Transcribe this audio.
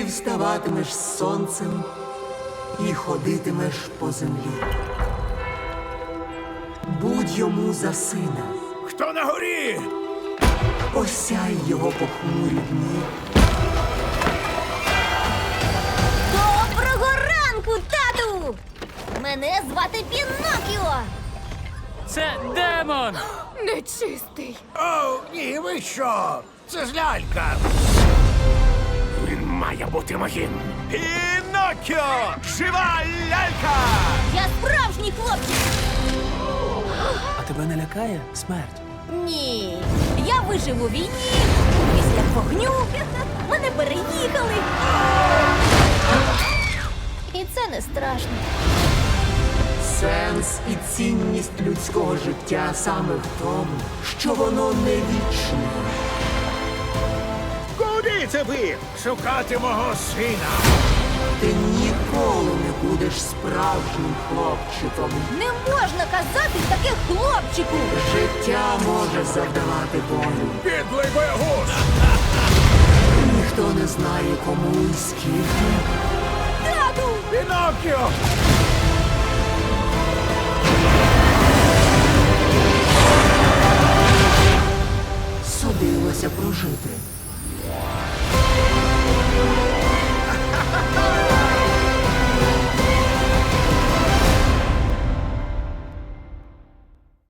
Ти вставатимеш з сонцем і ходитимеш по землі. Будь йому за сина, Хто на горі? осяй його похмурі дні. Доброго ранку, тату! Мене звати Пінокіо! Це демон! Нечистий! О, ні, ви що? Це ж лялька. Він має бути моїм. Пінокіо! Жива лялька! Я справжній хлопчик! А тебе не лякає смерть? Ні, я вижив у війні, після вогню, мене переїхали. І це не страшно. Сенс і цінність людського життя саме в тому, що воно не вічне. Куди це ви? Шукати мого сина. Ти ніколи не будеш справжнім хлопчиком. Не можна казати таке хлопчику! Життя може завдавати болю. Підлий боягуз! Ніхто не знає, кому і скільки. Тату! Пінокіо!